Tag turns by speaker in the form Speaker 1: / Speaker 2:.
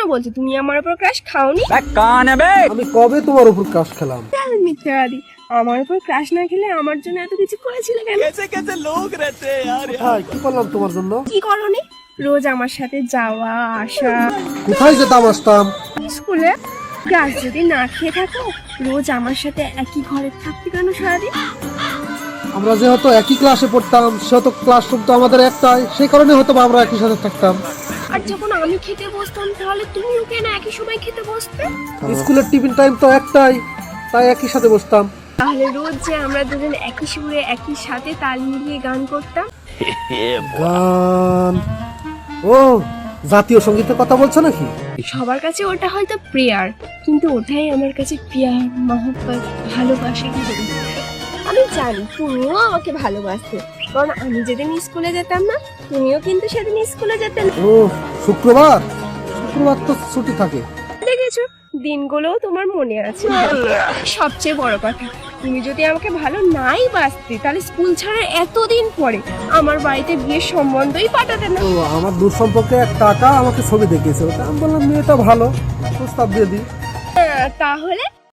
Speaker 1: বলছো তুমি আমার উপর ক্রাশ খাওনি?
Speaker 2: আমি কবে তোমার উপর ক্রাশ খেলাম?
Speaker 1: মিথ্যাবাদী, আমার উপর ক্রাশ না খেলে আমার জন্য এত কিছু করেছিলে কেন?
Speaker 2: কোথায় কি করলাম তোমার জন্য?
Speaker 1: কি করনি? রোজ আমার সাথে যাওয়া আসা,
Speaker 2: কোথায় যেতাম আসতাম?
Speaker 1: স্কুলে। ক্লাস যদি না খেয়ে থাকো, রোজ আমার সাথে একই ঘরে থাকতে কেন সারাদিন?
Speaker 2: আমরা যেহেতু একই ক্লাসে পড়তাম, সেহেতু ক্লাসরুম তো আমাদের একটাই, সেই কারণে হয়তো বা আমরা একই সাথে থাকতাম।
Speaker 1: আর যখন আমি খেতে বসতাম তাহলে তুমিও কেন একই সময় খেতে বসতে?
Speaker 2: স্কুলের টিফিন টাইম তো একটাই, তাই একই সাথে বসতাম।
Speaker 1: তাহলে রোজ যে আমরা দুজন একই সুরে একই সাথে তাল মিলিয়ে গান করতাম।
Speaker 2: গান? ও, জাতীয় সঙ্গীতের কথা বলছো নাকি?
Speaker 1: সবার কাছে ওটা হয়তো প্রেয়ার, কিন্তু ওটাই আমার কাছে প্রিয়ার, মহব্বত, ভালোবাসা। আমি জানি তুমিও আমাকে ভালোবাসতে, কারণ আমি যেদিন স্কুলে যেতাম না, তুমিও কিন্তু সেদিন স্কুলে যেতে না।
Speaker 2: ও, শুক্রবার? শুক্রবার তো ছুটি থাকে।
Speaker 1: দেখেছো, দিনগুলোও তোমার মনে আছে। সবচেয়ে বড় কথা, তুমি যদি আমাকে ভালো নাই বাসতে, তাহলে স্কুল ছাড়ার এতদিন পরে আমার বাড়িতে বিয়ের সম্বন্ধই পাঠাতে না।
Speaker 2: তো আমার দূর সম্পর্কে এক কাকা আমাকে ছবি দেখিয়েছে, ওটা আমি বললাম মেয়েটা ভালো, প্রস্তাব দিয়ে দিই।
Speaker 1: তাহলে